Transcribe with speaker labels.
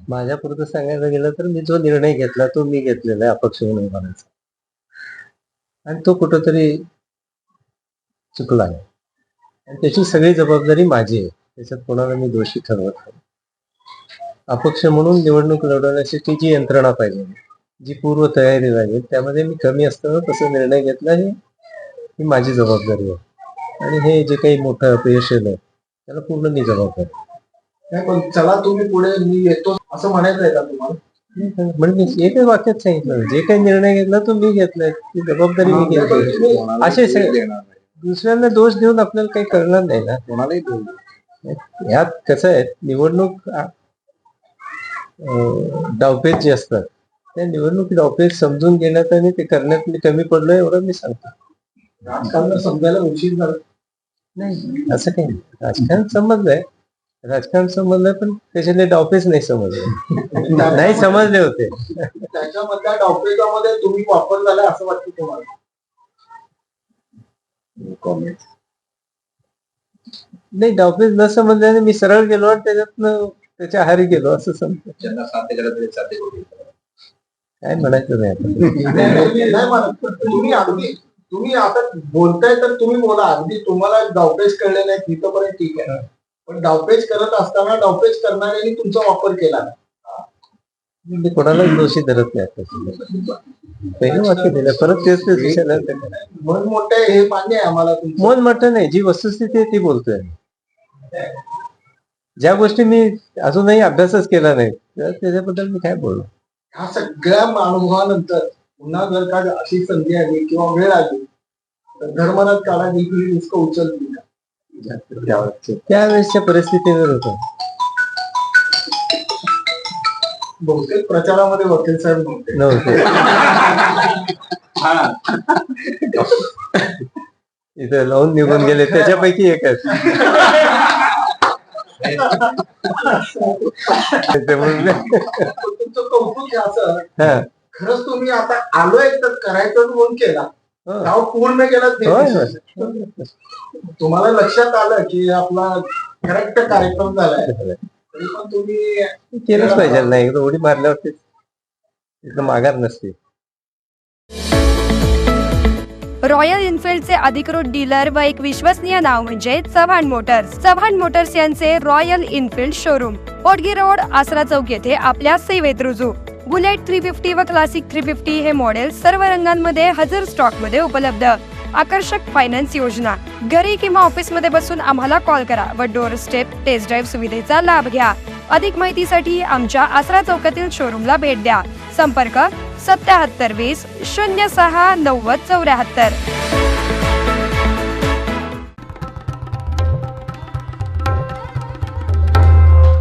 Speaker 1: माझ्यापुरतं सांगायला गेलं तर मी जो निर्णय घेतला तो मी घेतलेला आहे अपक्ष म्हणून उभारायचा, आणि तो कुठंतरी चुकला आहे आणि त्याची सगळी जबाबदारी माझी आहे. त्याच्यात कोणाला मी दोषी ठरवत नाही. अपक्ष म्हणून निवडणूक लढवण्यासाठी जी यंत्रणा पाहिजे, जी पूर्व तयारी लागेल, त्यामध्ये मी कमी असताना तसा निर्णय घेतला ही माझी जबाबदारी आहे. आणि हे जे काही मोठं अपयश आलं त्याला पूर्ण मी जबाबदार आहे.
Speaker 2: नाही पण चला तुम्ही पुढे मी येतो असं म्हणायचं आहे का तुम्हाला?
Speaker 1: म्हणजे एकच वाक्यात सांगितलं, जे काही निर्णय घेतला तो मी घेतलाय, ती जबाबदारी मी घेतली. असे दुसऱ्यांना दोष देऊन आपल्याला काही करणार नाही ना.
Speaker 2: कोणालाही
Speaker 1: यात कसं आहे, निवडणूक डावपेच जे असतात त्या निवडणूक डावपेच समजून घेण्यात आणि ते करण्यात मी कमी पडलो एवढं मी सांगतो.
Speaker 2: राजकारण समजायला उशीर झाला
Speaker 1: नाही, असं काही नाही. राजकारण समजलंय, राजकारण समजलंय, पण त्याच्यातले डावपेच नाही समजले. नाही समजले होते.
Speaker 2: त्याच्यामधल्या डावपेचामध्ये तुम्ही वापर झाला असं वाटतं तुम्हाला?
Speaker 1: नाही, डावपेच न समजल्याने मी सरळ गेलो आणि त्याच्यातनं त्याच्या आहारी गेलो असं समजतो. काय म्हणायचं नाही आता.
Speaker 2: तुम्ही अगदी तुम्ही आता बोलताय तर तुम्ही बोला, अगदी तुम्हाला डावपेच कळले नाही तिथपर्यंत ठीक आहे, पण डावपेच करत असताना डावपेच करणाऱ्यांनी तुमचा वापर केला.
Speaker 1: मी कोणालाच दोषी धरत नाही आता. पहिलं वाक्य दिलं, परत तेच
Speaker 2: मन मोठे हे मान्य आहे आम्हाला.
Speaker 1: मन मोठं नाही, जी वस्तुस्थिती आहे ती बोलतोय. ज्या गोष्टी मी अजूनही अभ्यासच केला नाही त्याच्याबद्दल मी काय बोलू.
Speaker 2: ह्या सगळ्या अनुभवानंतर पुन्हा जर का अशी संधी आली किंवा वेळ आली तर धर्मराज काळा देखील निष्क उचलतील का?
Speaker 1: त्यावेळेसच्या परिस्थितीवर होतं.
Speaker 2: बहुतेक प्रचारामध्ये वकील साहेब
Speaker 1: नव्हते. इथं लावून निघून गेले, त्याच्यापैकी एकच.
Speaker 2: तुमचं कौतुक असं खरंच तुम्ही आता आलोय तर करायचं म्हणून केला, गाव पूर्ण केला. तुम्हाला लक्षात आलं की आपला करेक्ट कार्यक्रम झालाय, तरी पण तुम्ही
Speaker 1: केलंच पाहिजे. नाही एकदा उडी मारल्यावरती एकदम माघार नसते.
Speaker 3: रॉयल एनफिल्डचे अधिकृत डीलर व एक विश्वसनीय नाव म्हणजे चव्हाण मोटर्स. चव्हाण मोटर्स यांचे royal enfield showroom Potgi road, Asara chowk येथे आपल्या सेवेत रुजू. बुलेट 350 व क्लासिक 350 हे मॉडेल सर्व रंगांमध्ये हजर स्टॉक मध्ये उपलब्ध. आकर्षक फायनान्स योजना. घरी किंवा ऑफिस मध्ये बसून आम्हाला कॉल करा व डोअर स्टेप टेस्ट ड्राईव्ह सुविधेचा लाभ घ्या. अधिक माहितीसाठी आमच्या आसरा चौकातील शोरूमला भेट द्या. संपर्क 7720 06 90 74.